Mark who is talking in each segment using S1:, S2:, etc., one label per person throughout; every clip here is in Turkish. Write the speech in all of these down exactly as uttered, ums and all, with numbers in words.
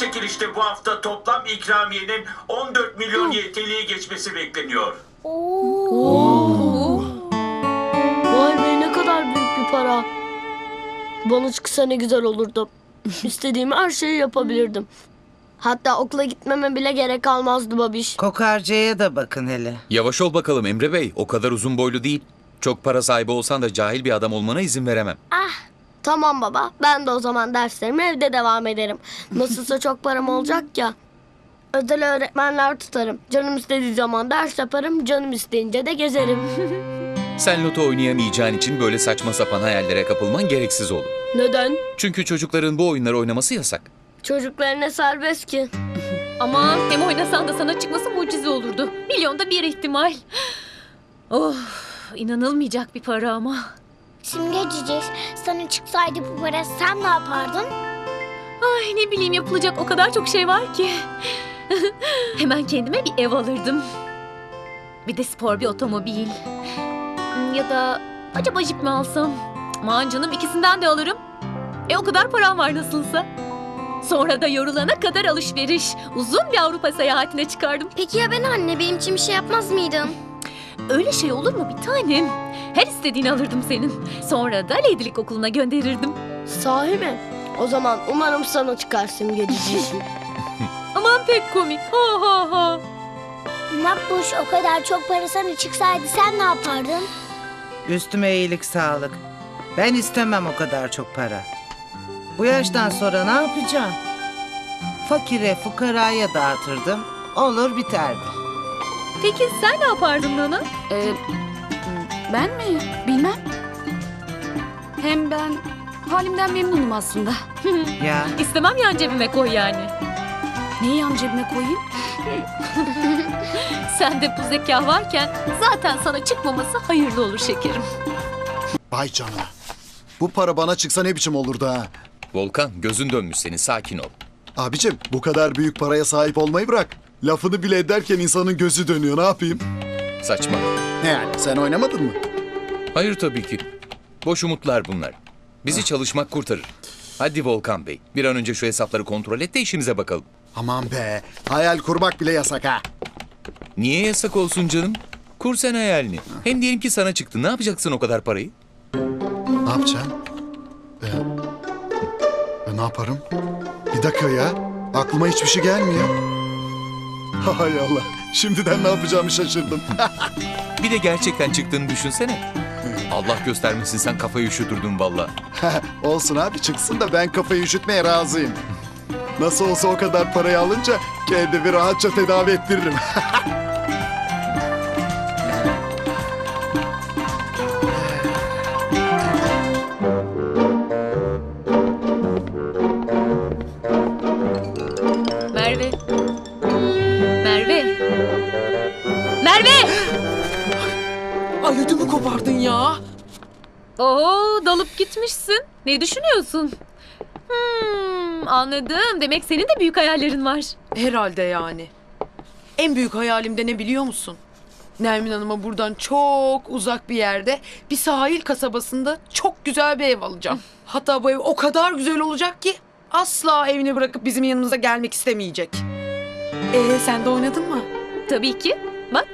S1: çekilişte bu hafta toplam ikramiyenin on dört milyon Y T L'yi geçmesi bekleniyor.
S2: Oo. Vay be, ne kadar büyük bir para. Bana çıksa ne güzel olurdu. İstediğim her şeyi yapabilirdim. Hatta okula gitmeme bile gerek kalmazdı babiş.
S3: Kokarcaya da bakın hele.
S4: Yavaş ol bakalım Emre Bey. O kadar uzun boylu değil. Çok para sahibi olsan da cahil bir adam olmana izin veremem.
S2: Ah, tamam baba. Ben de o zaman derslerime evde devam ederim. Nasılsa çok param olacak ya. Özel öğretmenler tutarım. Canım istediği zaman ders yaparım. Canım isteyince de gezerim.
S4: Sen loto oynayamayacağın için böyle saçma sapan hayallere kapılman gereksiz olur.
S2: Neden?
S4: Çünkü çocukların bu oyunları oynaması yasak.
S2: Çocuklar ne serbest ki.
S5: Ama hem oynasan da sana çıkması mucize olurdu. Milyonda bir ihtimal. Oh, inanılmayacak bir para ama.
S6: Simge Cici, sana çıksaydı bu para sen ne yapardın?
S5: Ay ne bileyim, yapılacak o kadar çok şey var ki. Hemen kendime bir ev alırdım. Bir de spor bir otomobil. Ya da acaba jip mi alsam? Aman canım, ikisinden de alırım. E o kadar param var nasılsa. Sonra da yorulana kadar alışveriş. Uzun bir Avrupa seyahatine çıkardım.
S6: Peki ya ben anne, benim için bir şey yapmaz mıydın?
S5: Öyle şey olur mu bir tanem? Her istediğini alırdım senin. Sonra da Lady'lik okuluna gönderirdim.
S2: Sahi mi? O zaman umarım sana çıkar Simge Cici.
S5: Aman pek komik. Ha ha ha.
S6: Makbuş, o kadar çok para sana çıksaydı sen ne yapardın?
S3: Üstüme iyilik sağlık. Ben istemem o kadar çok para. Bu yaştan sonra ne yapacağım? Fakire fukaraya dağıtırdım. Olur biterdi.
S5: Peki sen ne yapardın Nana?
S7: Ee, ben mi? Bilmem. Hem ben halimden memnunum aslında.
S3: Ya
S5: İstemem yan cebime koy yani.
S7: Neyi yan cebime koyayım?
S5: Sende bu zeka varken zaten sana çıkmaması hayırlı olur şekerim.
S8: Vay canına. Bu para bana çıksa ne biçim olurdu ha?
S4: Volkan, gözün dönmüş senin, sakin ol.
S8: Abicim, bu kadar büyük paraya sahip olmayı bırak. Lafını bile ederken insanın gözü dönüyor, ne yapayım?
S4: Saçma.
S8: Ne yani, sen oynamadın mı?
S4: Hayır tabii ki. Boş umutlar bunlar. Bizi çalışmak kurtarır. Hadi Volkan Bey, bir an önce şu hesapları kontrol et de işimize bakalım.
S8: Aman be, hayal kurmak bile yasak ha.
S4: Niye yasak olsun canım? Kur sen hayalini. Hem diyelim ki sana çıktı. Ne yapacaksın o kadar parayı?
S8: Ne yapacağım? Ee, e, ne yaparım? Bir dakika ya, aklıma hiçbir şey gelmiyor. Hay Allah, şimdiden ne yapacağımı şaşırdım.
S4: Bir de gerçekten çıktığını düşünsene. Allah göstermesin, sen kafayı üşütürdün valla.
S8: Olsun abi, çıksın da ben kafayı üşütmeye razıyım. Nasıl olsa o kadar parayı alınca kendimi rahatça tedavi ettiririm.
S5: Merve. Merve. Merve!
S9: Ay ödümü kopardın ya.
S5: Oo, dalıp gitmişsin. Ne düşünüyorsun? Hmm, anladım. Demek senin de büyük hayallerin var.
S9: Herhalde yani. En büyük hayalim de ne biliyor musun? Nermin Hanım'a buradan çok uzak bir yerde, bir sahil kasabasında çok güzel bir ev alacağım. Hatta bu ev o kadar güzel olacak ki asla evini bırakıp bizim yanımıza gelmek istemeyecek. Ee sen de oynadın mı?
S5: Tabii ki. Bak.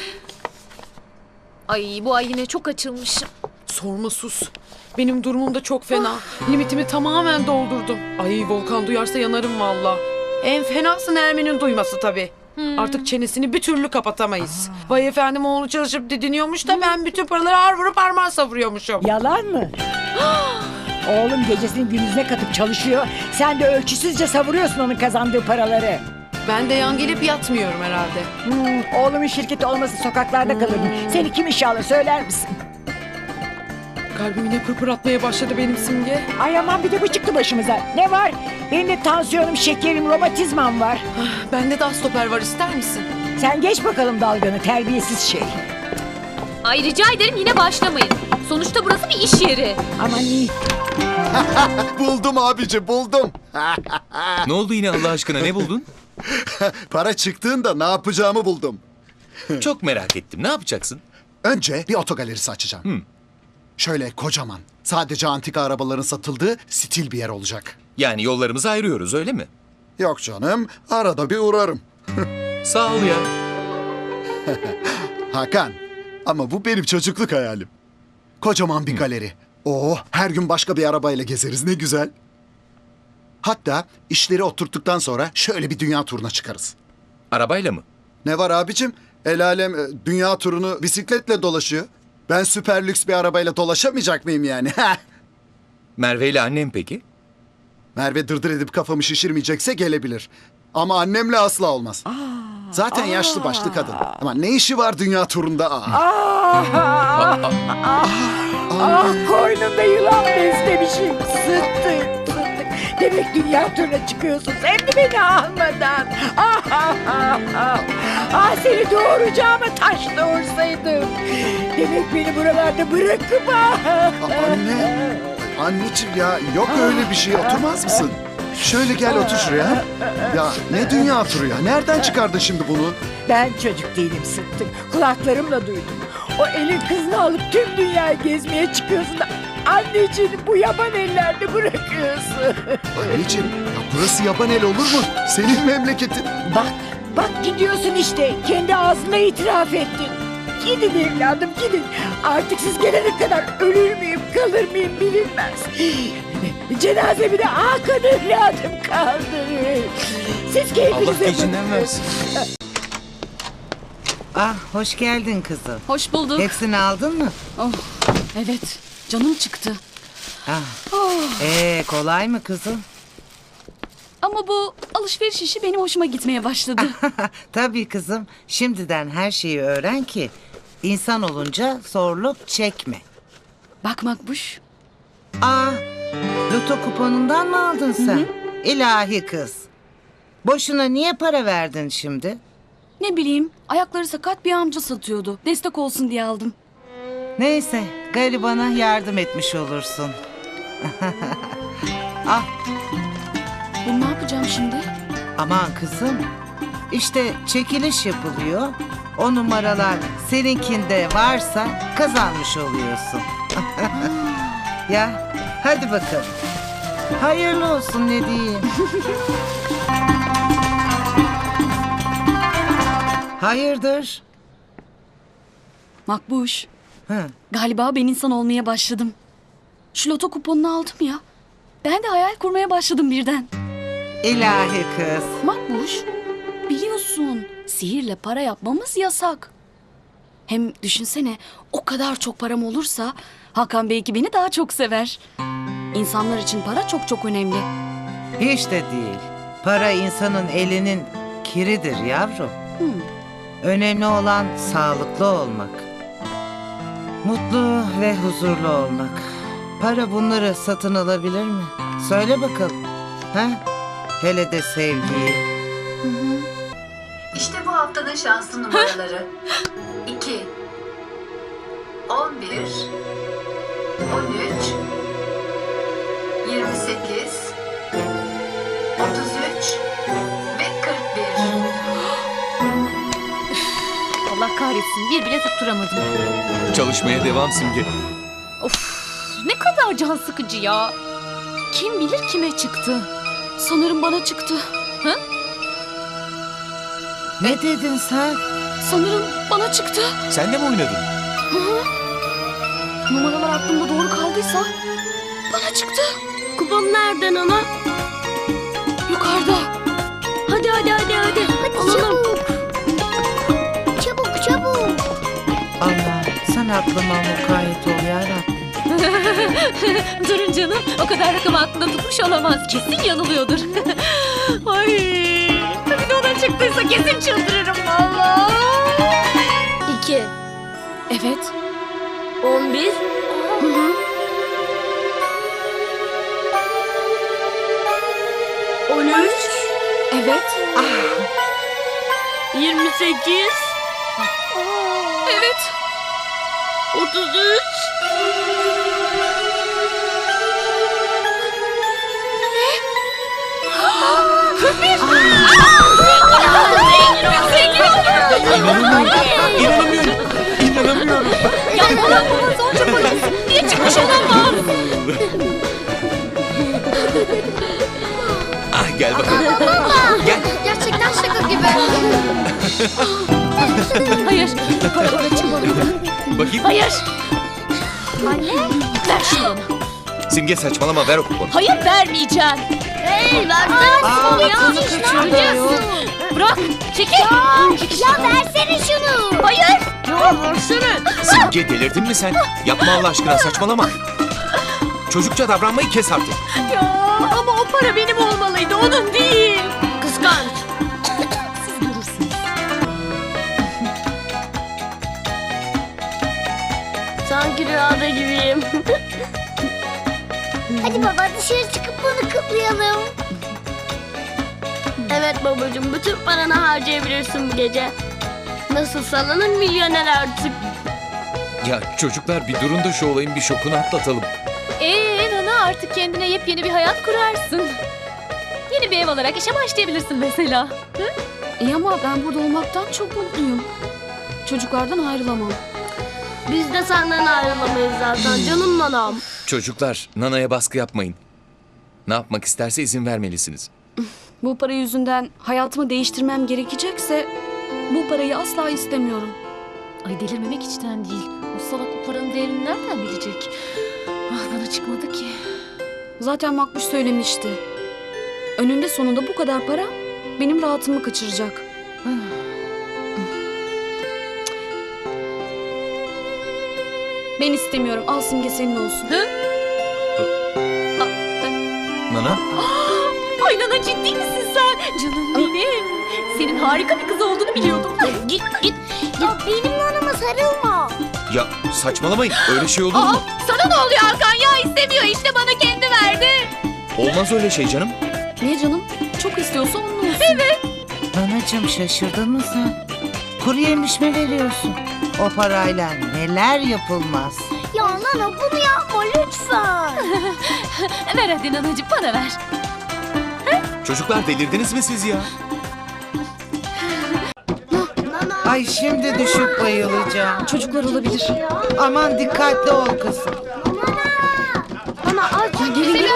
S5: Ay, bu ay yine çok açılmışım.
S9: Sorma sus. Benim durumum da çok fena. Limitimi tamamen doldurdum. Ay Volkan duyarsa yanarım valla. En fenası Nermin'in duyması tabii. Artık çenesini bir türlü kapatamayız. Vay efendim, oğlu çalışıp didiniyormuş da ben bütün paraları har vurup harman savuruyormuşum.
S10: Yalan mı? Oğlum gecesini gündüzüne katıp çalışıyor. Sen de ölçüsüzce savuruyorsun onun kazandığı paraları.
S9: Ben de yan gelip yatmıyorum herhalde.
S10: Hmm, oğlumun şirketi olmasa sokaklarda kalırdın. Seni kim işe alır söyler misin?
S9: Kalbim yine pırpır atmaya başladı benim Simge.
S10: Ay aman, bir de bu çıktı başımıza. Ne var? Benim de tansiyonum, şekerim, romatizmam var.
S9: Bende de stoper var, ister misin?
S10: Sen geç bakalım dalganı, terbiyesiz şey.
S5: Ay rica ederim, yine başlamayın. Sonuçta burası bir iş yeri.
S10: Aman iyi.
S8: Buldum abici, buldum.
S4: Ne oldu yine Allah aşkına, ne buldun?
S8: Para çıktığında ne yapacağımı buldum.
S4: Çok merak ettim. Ne yapacaksın?
S8: Önce bir otogalerisi açacağım.
S4: Hmm.
S8: Şöyle kocaman, sadece antika arabaların satıldığı stil bir yer olacak.
S4: Yani yollarımızı ayırıyoruz, öyle mi?
S8: Yok canım, arada bir uğrarım.
S4: Sağ ol ya.
S8: Hakan, ama bu benim çocukluk hayalim. Kocaman bir galeri. Oo, her gün başka bir arabayla gezeriz, ne güzel. Hatta işleri oturttuktan sonra şöyle bir dünya turuna çıkarız.
S4: Arabayla mı?
S8: Ne var abicim? El alem e, dünya turunu bisikletle dolaşıyor. Ben süper lüks bir arabayla dolaşamayacak mıyım yani?
S4: Merve ile annem peki?
S8: Merve dırdır edip kafamı şişirmeyecekse gelebilir. Ama annemle asla olmaz. Zaten yaşlı başlı kadın. Ama ne işi var dünya turunda? Aa.
S10: Ah koynumda yılan beslemişim. Sıttık sıttık. Demek dünya turuna çıkıyorsun. Hem de beni almadan. Ah ah ah ah. Ah seni doğuracağıma taş doğursaydım. Demek beni buralarda bırakıp ah.
S8: Aa, anne. Anneciğim ya yok öyle bir şey. Oturmaz mısın? Şöyle gel otur şuraya. Ya ne dünya turu ya? Nereden çıkardın şimdi bunu?
S10: Ben çocuk değilim Sıttık. Kulaklarımla duydum. O elin kızını alıp tüm dünyayı gezmeye çıkıyorsun da anneciğini bu yaban ellerde bırakıyorsun.
S8: Anneciğim ya burası yaban el olur mu? Senin memleketin.
S10: Bak, bak gidiyorsun işte. Kendi ağzına itiraf ettin. Gidin evladım gidin. Artık siz gelene kadar ölür müyüm kalır mıyım bilinmez. Cenazemi de Hakan evladım kaldırır. Siz
S4: Allah
S10: keyfinize
S4: gecinden
S10: bakın.
S4: versin.
S3: Ah hoş geldin kızım.
S7: Hoş bulduk.
S3: Hepsini aldın mı?
S7: Oh, evet. Canım çıktı.
S3: Ah. Ee, kolay mı kızım?
S7: Ama bu alışveriş işi benim hoşuma gitmeye başladı.
S3: Tabii kızım. Şimdiden her şeyi öğren ki insan olunca zorluk çekme.
S7: Bak Makbuş.
S3: Aa, loto kuponundan mı aldın sen? İlahi kız. Boşuna niye para verdin şimdi?
S7: Ne bileyim, ayakları sakat bir amca satıyordu. Destek olsun diye aldım.
S3: Neyse, garibana yardım etmiş olursun. Ah,
S7: Bunu ne yapacağım şimdi?
S3: aman kızım. İşte çekiliş yapılıyor. O numaralar seninkinde varsa kazanmış oluyorsun. Ya, hadi bakalım. Hayırlı olsun ne diyeyim. Hayırdır?
S7: Makbuş,
S3: Hı.
S7: galiba ben insan olmaya başladım. Şu loto kuponunu aldım ya. Ben de hayal kurmaya başladım birden.
S3: İlahi kız.
S7: Makbuş, biliyorsun sihirle para yapmamız yasak. Hem düşünsene o kadar çok param olursa Hakan belki beni daha çok sever. İnsanlar için para çok çok önemli.
S3: Hiç de değil. Para insanın elinin kiridir yavrum.
S7: Hmm.
S3: Önemli olan sağlıklı olmak. Mutlu ve huzurlu olmak. Para bunları satın alabilir mi? Söyle bakalım. Ha? Hele de sevgiyi.
S11: İşte bu haftanın şanslı numaraları. iki, on bir, on üç, yirmi sekiz, otuz üç ve kırk bir.
S5: Allah kahretsin bir bile tutturamadım.
S4: Çalışmaya devam Simge.
S5: Of ne kadar can sıkıcı ya. Kim bilir kime çıktı.
S7: Sanırım bana çıktı.
S5: Hı?
S3: Ne dedin sen?
S7: Sanırım bana çıktı.
S4: Sen de mi oynadın?
S7: Numaralar aklımda doğru kaldıysa bana çıktı.
S2: Kupon nereden ana?
S7: Yukarıda.
S2: Hadi hadi hadi hadi.
S6: Hadi
S2: Alalım.
S6: çabuk. Çabuk çabuk.
S3: Allah sen aklıma mukayyet ol yarabbim.
S5: Durun canım o kadar rakam aklında tutmuş olamaz. Kesin yanılıyordur. Ay, bir de ona çıktıysa kesin çıldırırım valla.
S2: İki.
S7: Evet.
S2: On bir. On üç.
S7: Evet.
S2: Yirmi sekiz.
S7: Evet.
S2: Otuz üç.
S4: İnanamıyorum. İnanamıyorum.
S5: Ya bana bana zonca polis. Niye çıkmış olamaz?
S4: Ah gel bakalım.
S5: Hayır. Para bana çıkmalıydı.
S4: Bakayım.
S5: Hayır. Anne. Ver şunu bana.
S4: Simge saçmalama, ver o kuponu.
S5: Hayır vermeyeceğim.
S2: Hey versene
S3: Aa,
S2: bunu ya.
S3: bunu kaçırıyor.
S5: Bırak. Çekil.
S6: Ya versene şunu.
S5: Hayır.
S2: Ya versene.
S4: Simge delirdin mi sen? Yapma Allah aşkına, saçmalama. Çocukça davranmayı kes artık.
S5: Ya ama o para benim olmalıydı. Onun değil.
S2: Kıskanç.
S5: Siz görürsünüz.
S2: Sanki rüyada gibiyim.
S6: Hadi baba dışarı çıkıp bunu kutlayalım.
S2: Evet babacığım, bütün paranı harcayabilirsin bu gece. Nasıl sallanın milyoner artık.
S4: Ya çocuklar bir durun da şu olayın bir şokunu atlatalım.
S5: Ee Nana artık kendine yepyeni bir hayat kurarsın. Yeni bir ev alarak işe başlayabilirsin mesela.
S7: İyi ama ben burada olmaktan çok mutluyum. Çocuklardan ayrılamam.
S2: Biz de senden ayrılamayız zaten canım nanam.
S4: Çocuklar, Nana'ya baskı yapmayın. Ne yapmak isterse izin vermelisiniz.
S7: Bu para yüzünden hayatımı değiştirmem gerekecekse bu parayı asla istemiyorum.
S5: Ay delirmemek içten değil. O salak o paranın değerini nereden bilecek? Ah bana çıkmadı ki.
S7: Zaten Makbuş söylemişti. Önünde sonunda bu kadar para benim rahatımı kaçıracak. Ben istemiyorum. Al Simge senin olsun.
S4: Nana?
S5: Ay Nana ciddi misin sen? Canım benim. Senin harika bir kız olduğunu biliyordum. Git git.
S6: Ya benim nanama sarılma.
S4: Ya saçmalamayın, öyle şey olur
S5: Aa,
S4: mu?
S5: sana ne oluyor Hakan ya? İstemiyor işte bana kendi verdi.
S4: Olmaz öyle şey canım.
S7: Niye canım? Çok istiyorsa onun olsun.
S5: Evet.
S3: Nanacığım şaşırdın mı sen? Kuru yemiş mi veriyorsun? O parayla neler yapılmaz.
S6: Ya nana bunu yapma lütfen.
S5: Ver hadi Nanacığım bana ver.
S4: Çocuklar delirdiniz mi siz ya?
S3: Ay şimdi düşüp bayılacağım.
S7: Çocuklar olabilir.
S3: Aman dikkatli ol kızım.
S6: Nana aç.
S7: Gelin gelin.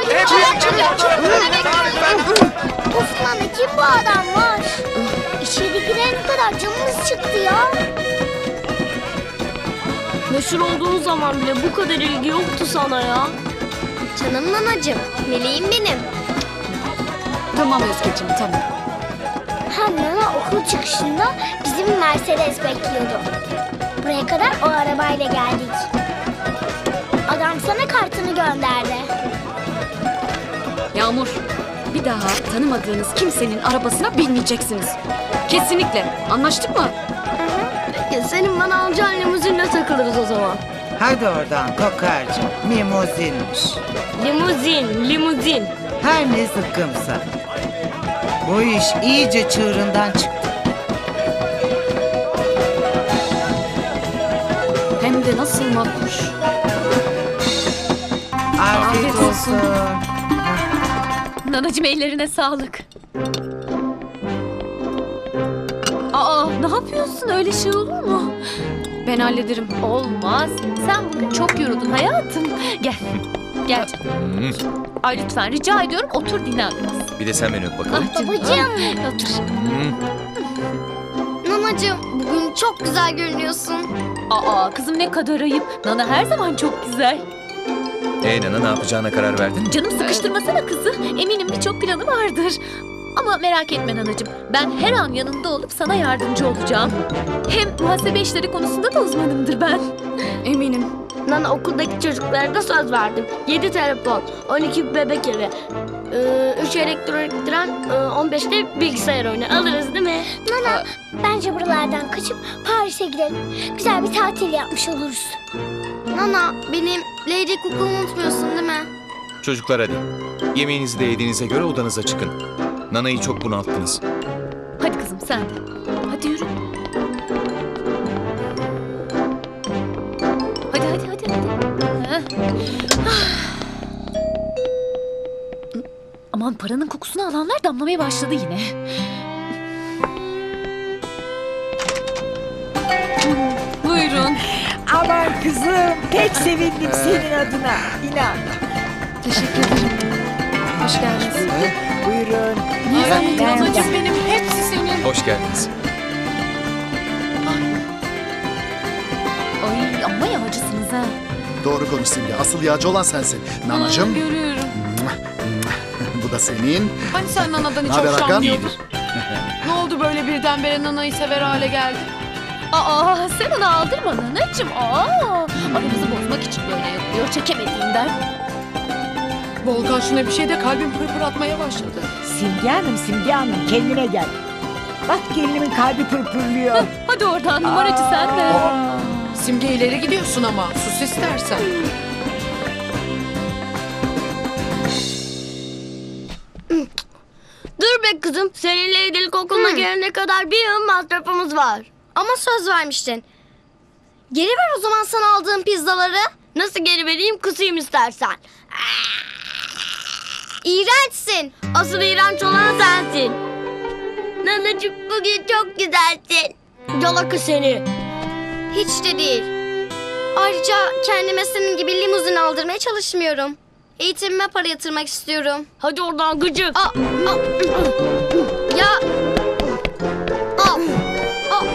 S6: Of nana kim bu adam var? İçeri girene kadar canımız çıktı ya.
S2: Meşhur olduğun zaman bile bu kadar ilgi yoktu sana ya.
S6: Canım nanacığım. Meleğim benim.
S7: Tamam Özgeciğim tamam.
S6: Hem nana okul çıkışında bizim Mercedes bekliyordu. Buraya kadar o arabayla geldik. Adam sana kartını gönderdi.
S7: Yağmur, bir daha tanımadığınız kimsenin arabasına binmeyeceksiniz. Kesinlikle. Anlaştık mı?
S2: Ya senin bana alacağın limuzinle takılırız o zaman.
S3: Hadi oradan kokarcığım. Limuzinmiş.
S2: Limuzin, limuzin.
S3: Her ne zıkkımsa. Bu iş iyice çığırından çıktı.
S7: Hem de nasıl Makbuş.
S3: Afiyet,
S7: Afiyet olsun.
S3: olsun.
S5: Nanacığım ellerine sağlık. Aa ne yapıyorsun? Öyle şey olur mu?
S7: Ben hallederim.
S5: Olmaz. Sen bugün çok yoruldun hayatım. Gel. Gel canım.
S4: Hmm,
S5: Ay lütfen rica ediyorum otur dinlen biraz.
S4: bir de sen beni öp bakalım.
S5: Ah canım.
S6: Babacığım.
S5: Ah, Otur.
S4: Hmm.
S6: Nanacığım bugün çok güzel görünüyorsun.
S5: Aa kızım ne kadar ayıp. Nana her zaman çok güzel.
S4: Ee Nana, ne yapacağına karar verdin?
S5: Canım sıkıştırmasana kızı. Eminim birçok planı vardır. Ama merak etme Nanacığım. Ben her an yanında olup sana yardımcı olacağım. Hem muhasebe işleri konusunda da uzmanımdır ben.
S7: Eminim.
S2: Nana okuldaki çocuklara da söz verdim. Yedi telefon, on iki bebek evi, ee, üç elektronik tren, ee, on beşte bilgisayar oyunu alırız değil mi?
S6: Nana bence buralardan kaçıp Paris'e gidelim. Güzel bir tatil yapmış oluruz.
S2: Nana benim Lady Cook'umu unutmuyorsun değil mi?
S4: Çocuklar hadi. Yemeğinizi de yediğinize göre odanıza çıkın. Nana'yı çok bunalttınız.
S5: Hadi kızım sen de. Hadi yürü. Hadi hadi hadi. hadi. Heh. Aman paranın kokusunu alanlar damlamaya başladı yine. Buyurun.
S10: Aman kızım pek sevindim senin adına. İnan.
S7: Teşekkür ederim. Hoş geldiniz.
S10: Buyurun.
S5: Niye zahmet
S10: Ben-
S5: ablacığım benim? Hepsi senin.
S4: Hoş geldiniz.
S5: yağcısınız ha.
S8: Doğru konuş Simge. Asıl yağcı olan sensin. Nanacığım.
S5: Görüyorum.
S8: Bu da senin.
S9: Hani sen Nana'dan hiç
S8: Naber Hakan?
S9: hoşlanmıyordun? Ne oldu böyle birdenbire Nana'yı sever hale geldi?
S5: Aa sen onu aldırma nanacığım. Aa, aramızı bozmak için böyle yapıyor çekemediğinden.
S9: Volkan şuna bir şey de kalbim pırpır atmaya başladı.
S10: Simge Hanım, Simge Hanım kendine gel. Bak gelinimin kalbi pırpırlıyor.
S5: Hadi oradan numaracı sen de.
S9: Simge ileri gidiyorsun ama. Sus istersen.
S2: Dur be kızım. Seninle evlilik okuluna gelene kadar bir yıl masrafımız var.
S6: Ama söz vermiştin. Geri ver o zaman sana aldığım pizzaları.
S2: Nasıl geri vereyim, kısayım istersen.
S6: İğrençsin.
S2: Asıl iğrenç olan sensin. Nanacığım bugün çok güzelsin. Yalaka seni.
S6: Hiç de değil. Ayrıca kendime senin gibi limuzin aldırmaya çalışmıyorum. Eğitimime para yatırmak istiyorum.
S2: Hadi oradan gıcık.
S6: Aa, aa, ya. Aa, aa.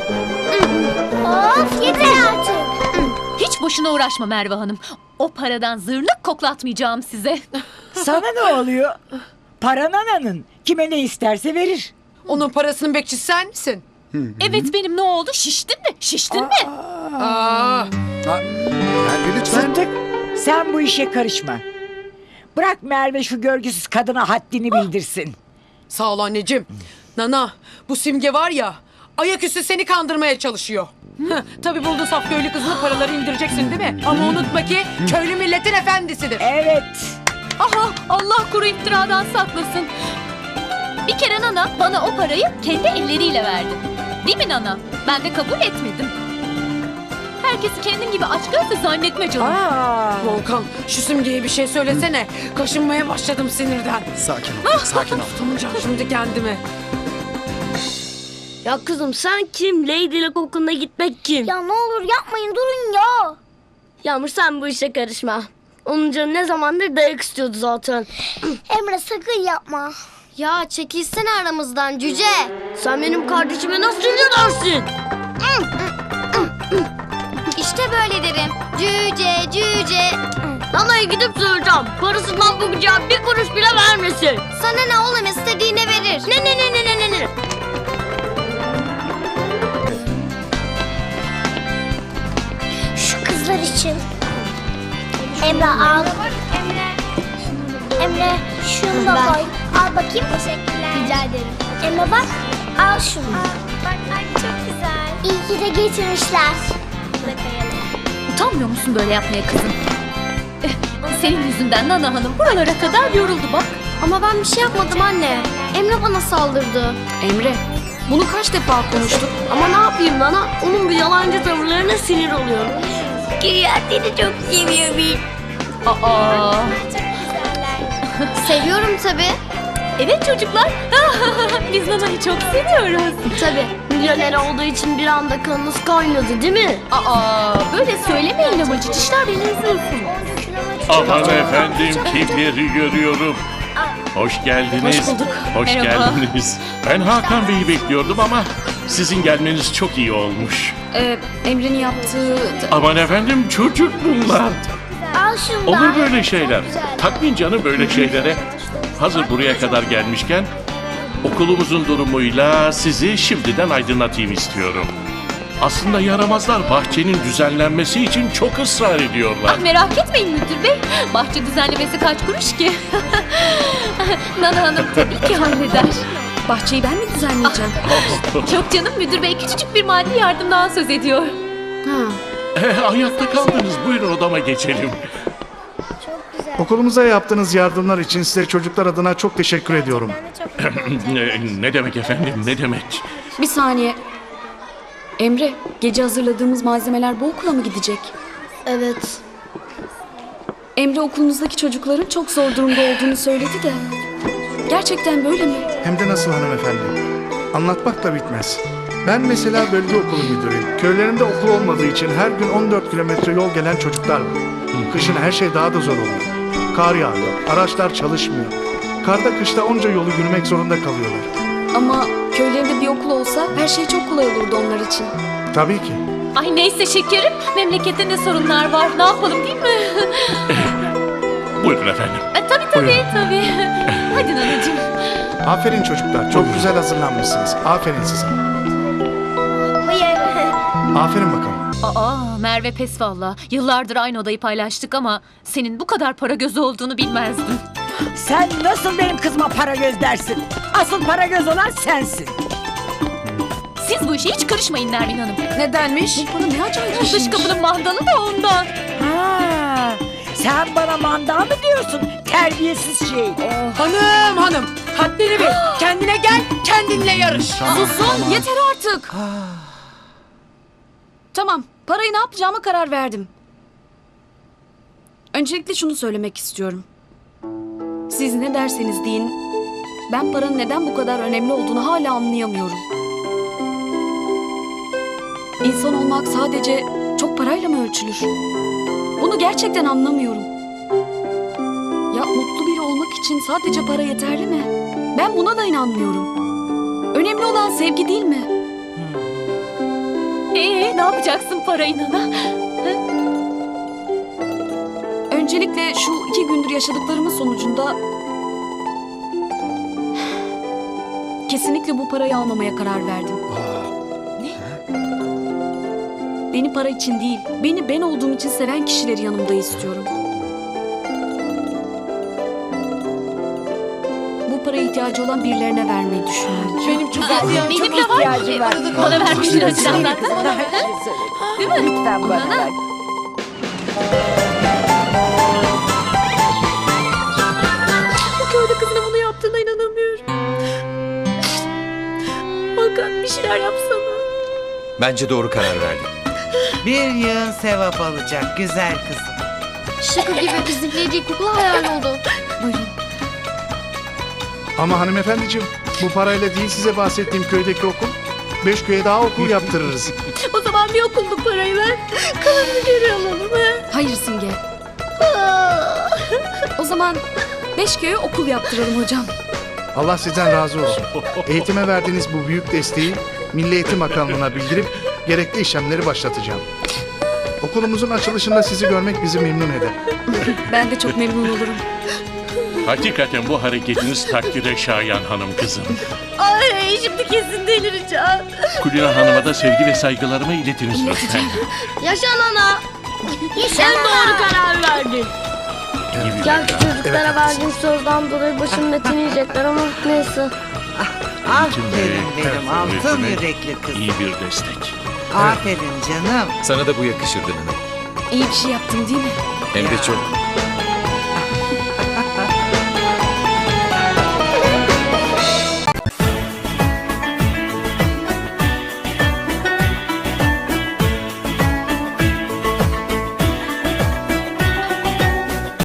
S6: Of yeter artık.
S5: Hiç boşuna uğraşma Merve Hanım. O paradan zırnık koklatmayacağım size.
S10: Sana ne oluyor? Para nananın. Kime ne isterse verir.
S9: Onun parasının bekçisi sen misin?
S5: Evet benim ne oldu? Şiştin mi? Şiştin mi?
S9: Aa,
S8: Ha, Merve lütfen.
S10: Sıddık, sen bu işe karışma. Bırak Merve şu görgüsüz kadına haddini bildirsin.
S9: sağ ol anneciğim. Nana, bu Simge var ya, ayaküstü seni kandırmaya çalışıyor. Heh, tabii buldun saf köylü kızını, paraları indireceksin değil mi? Ama unutma ki köylü milletin efendisidir.
S10: Evet.
S5: Aha Allah kuru iftiradan saklasın. Bir kere Nana bana o parayı kendi elleriyle verdi. Değil mi Nana? Ben de kabul etmedim. Herkesi kendin gibi açgözlü zannetme canım.
S10: Aa.
S9: Volkan, şu Simge'ye bir şey söylesene. Kaşınmaya başladım sinirden.
S8: Sakin ol, sakin ol.
S9: Tutamayacağım şimdi kendimi.
S2: Ya kızım sen kim? Lady'lik okuluna gitmek kim?
S6: Ya ne olur yapmayın durun ya.
S2: Yağmur sen bu işe karışma. Onun canı ne zamandır dayak istiyordu zaten.
S6: Emre sakın yapma. Ya çekilsene aramızdan cüce.
S2: Sen benim kardeşime nasıl dersin?
S6: İşte böyle derim. Cüce cüce.
S2: Nana'ya gidip söyleyeceğim. Parasından bu gıcığa bir kuruş bile vermesin.
S6: Sana ne oğlum istediğine verir.
S2: Ne ne ne ne ne ne ne?
S6: Şu kızlar için. Emre al. Emre. Emre şunu da koy. Al bakayım. Teşekkürler. Rica ederim. Emre bak. Al şunu. Bak anne çok güzel. İyi ki de getirmişler.
S5: Utanmıyor musun böyle yapmaya kızım? Eh, Senin yüzünden Nana Hanım buralara kadar yoruldu bak.
S6: Ama ben bir şey yapmadım anne. Emre bana saldırdı.
S7: Emre, bunu kaç defa konuştuk?
S2: Ama ne yapayım Nana? Onun bu yalancı tavırlarına sinir oluyorum. Güya seni çok seviyor bir.
S5: Aa,
S6: Seviyorum tabii.
S5: evet çocuklar. Biz Nana'yı çok seviyoruz.
S2: Tabii. Milyoner olduğu için bir anda kanınız kaynadı değil mi?
S5: Aa, böyle söylemeyin ama cicişler beni üzülsün.
S12: Aman efendim kimleri görüyorum. Hoş geldiniz.
S5: Hoş bulduk.
S12: Hoş
S5: Merhaba.
S12: geldiniz. Ben Hakan Bey'i bekliyordum ama sizin gelmeniz çok iyi olmuş.
S7: Ee, Emre'nin yaptığı...
S12: Aman efendim çocuk bunlar.
S6: Al şunu da.
S12: Olur böyle şeyler. Takmayın canım böyle şeylere. Hazır buraya kadar gelmişken okulumuzun durumuyla sizi şimdiden aydınlatayım istiyorum. Aslında yaramazlar bahçenin düzenlenmesi için çok ısrar ediyorlar.
S5: Ah merak etmeyin müdür bey. Bahçe düzenlemesi kaç kuruş ki? Nana Hanım tabii ki halleder.
S7: Bahçeyi ben mi düzenleyeceğim?
S5: Çok canım müdür bey küçücük bir maddi yardımdan söz ediyor.
S7: Ha.
S12: Eh, ayakta kaldınız. Buyurun odama geçelim.
S13: Okulumuza yaptığınız yardımlar için size çocuklar adına çok teşekkür ediyorum.
S12: ne, ne demek efendim ne demek?
S7: Bir saniye. Emre, gece hazırladığımız malzemeler bu okula mı gidecek?
S2: Evet.
S7: Emre okulunuzdaki çocukların çok zor durumda olduğunu söyledi de. Gerçekten böyle mi?
S13: Hem de nasıl hanımefendi. Anlatmak da bitmez. Ben mesela bölge okulu müdürüyüm. Köylerimde okul olmadığı için her gün on dört kilometre yol gelen çocuklar var. Kışın her şey daha da zor oluyor. Kar yağıyor, araçlar çalışmıyor. Karda kışta onca yolu yürümek zorunda kalıyorlar.
S7: Ama köylerinde bir okul olsa her şey çok kolay olurdu onlar için.
S13: Tabii ki.
S5: Ay neyse şekerim. Memlekette ne sorunlar var. Ne yapalım değil mi?
S12: Buyurun efendim.
S5: E, tabii tabii tabii. Hadi nanacığım.
S13: Aferin çocuklar. Çok güzel hazırlanmışsınız. Aferin size.
S6: Hayır.
S13: Aferin bakalım.
S5: Aa Merve pes valla. Yıllardır aynı odayı paylaştık ama senin bu kadar para gözü olduğunu bilmezdim.
S10: Sen nasıl benim kızıma para göz dersin? Asıl para göz olan sensin.
S5: Siz bu işe hiç karışmayın Nermin Hanım.
S9: Nedenmiş?
S5: Bu para ne acayip. Dış kapının mandalı da ondan.
S10: Ha, sen bana manda mı diyorsun? Terbiyesiz şey.
S9: Hanım hanım. Haddini bil. Kendine gel. Kendinle yarış.
S7: Susun yeter artık. Tamam, parayı ne yapacağıma karar verdim. Öncelikle şunu söylemek istiyorum. Siz ne derseniz deyin, ben paranın neden bu kadar önemli olduğunu hala anlayamıyorum. İnsan olmak sadece çok parayla mı ölçülür? Bunu gerçekten anlamıyorum. Ya mutlu biri olmak için sadece para yeterli mi? Ben buna da inanmıyorum. Önemli olan sevgi değil mi?
S5: Ee ne yapacaksın parayı nana?
S7: Öncelikle şu iki gündür yaşadıklarımın sonucunda kesinlikle bu parayı almamaya karar verdim. Beni para için değil, beni ben olduğum için seven kişileri yanımda istiyorum. Bu paraya ihtiyacı olan birilerine vermeyi düşünüyorum.
S9: Benim çok
S5: Aa,
S9: ihtiyacım
S5: benim de var.
S10: ihtiyacım var.
S5: Bana vermiştin açıdan zaten.
S10: Değil mi? Lütfen bana ver.
S5: Bu köyde kızına bunu yaptığına inanamıyorum. Hakan bir şeyler yapsana.
S4: Bence doğru karar verdin.
S3: Bir yığın sevap alacak güzel kızım.
S2: Şaka gibi bizimkileri ilkokula hayal oldu.
S13: Ama hanımefendiciğim, bu parayla değil size bahsettiğim köydeki okul. Beş köye daha okul yaptırırız.
S5: O zaman bir okulluk parayı ver. Kalanını geri alalım he.
S7: Hayır Simge. O zaman beş köye okul yaptıralım hocam.
S13: Allah sizden razı olsun. Eğitime verdiğiniz bu büyük desteği Milli Eğitim Bakanlığı'na bildirip gerekli işlemleri başlatacağım. Okulumuzun açılışında sizi görmek bizi memnun eder.
S7: Ben de çok memnun olurum.
S12: Hakikaten bu hareketiniz takdire şayan hanım kızım.
S5: Ay şimdi kesin delireceğim.
S12: Kulina Hanım'a da sevgi ve saygılarımı iletiniz lütfen.
S2: Yaşa nana. Sen doğru karar verdin. Gerçi çocuklara verdiğim sözden dolayı başımın etini yiyecekler ama neyse.
S3: Aferin benim altın
S12: Öğretime
S3: yürekli kızım.
S12: İyi bir destek.
S3: Aferin canım.
S4: Sana da bu yakışırdı Nana.
S7: İyi bir şey yaptım değil mi?
S4: Hem de çok.